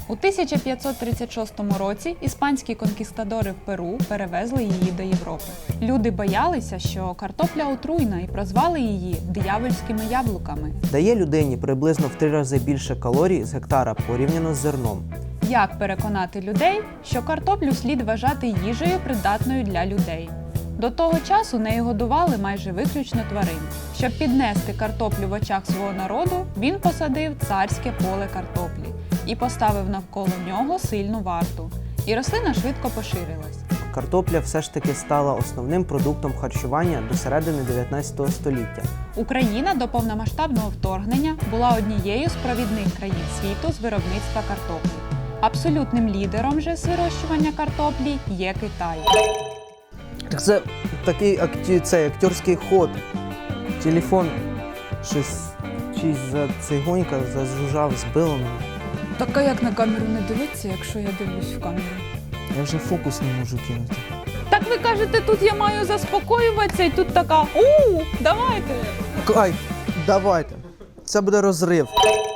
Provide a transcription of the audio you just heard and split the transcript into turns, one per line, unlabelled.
У 1536 році іспанські конкістадори в Перу перевезли її до Європи. Люди боялися, що картопля отруйна, і прозвали її диявольськими яблуками.
Дає людині приблизно в 3 рази більше калорій з гектара порівняно з зерном.
Як переконати людей, що картоплю слід вважати їжею, придатною для людей? До того часу нею годували майже виключно тварин. Щоб піднести картоплю в очах свого народу, він посадив царське поле картоплі і поставив навколо нього сильну варту. І рослина швидко поширилась.
Картопля все ж таки стала основним продуктом харчування до середини 19 століття.
Україна до повномасштабного вторгнення була однією з провідних країн світу з виробництва картоплі. Абсолютним лідером же з вирощування картоплі є Китай.
Так це такий акторський ход. Телефон щось за цигонька зажужжав, збило мене.
Так а як на камеру не дивитися, якщо я дивлюсь в камеру?
Я вже фокус не можу кинути.
Так ви кажете, тут я маю заспокоюватися, і тут така давайте!
Кайф, давайте. Це буде розрив.